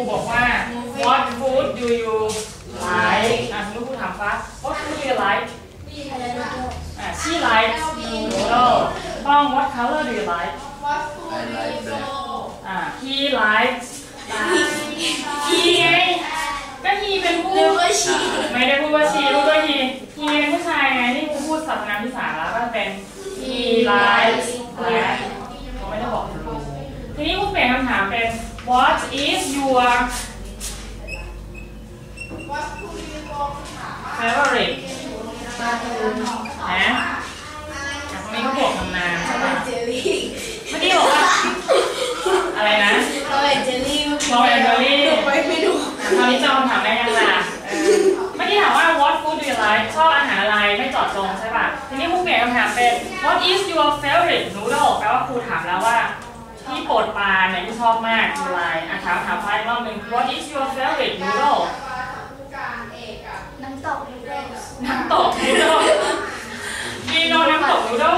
บอกว่า what food do you like สมมติครูถามฟ้า what food do you like she likes noodle ต้อง what color do you like he likes he ไงก็ he เป็นผู้ไม่ได้พูดว่า she พูดว่า he เป็นผู้ชายไงนี่ครูพูดสรรพนามที่สามแล้วก็เป็น he likes black เขาไม่ได้บอกรู้ทีนี้ครูเปลี่ยนคำถามเป็น what is your favorite นะตรงนี้เขาบอกคำนามใช่ไหมเมื่อกี้บอกว่าอะไรนะโรยเจลลี่คราวนี้จำคำถามได้ยังล่ะเมื่อกี้ถามว่า what food do you like ชอบอาหารอะไรไม่เจาะจงใช่ป่ะทีนี้ครูเปลี่ยนคำถามเป็น what is your favorite noodle แปลว่าครูถามแล้วว่าที่โปรดปรานเนี่ยที่ชอบมากคืออะไรถามไฟรอบหนึ่ง what is your favorite noodle น้ำตกนูโดลdo you know น้ำตกนูโดล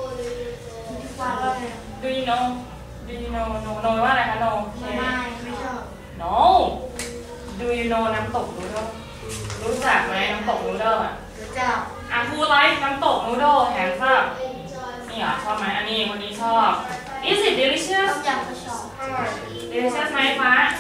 do you know no ว่าอะไรคะ no ไม่ชอบ no do you know น้ำตกนูโดลรู้จักไหมน้ำตกนูโดลรู้จักwho like น้ำตกนูโดลแฮนด์ซับนี่เหรอชอบไหมอันนี้คนนี้ชอบ is it delicious delicious ไหมฟ้า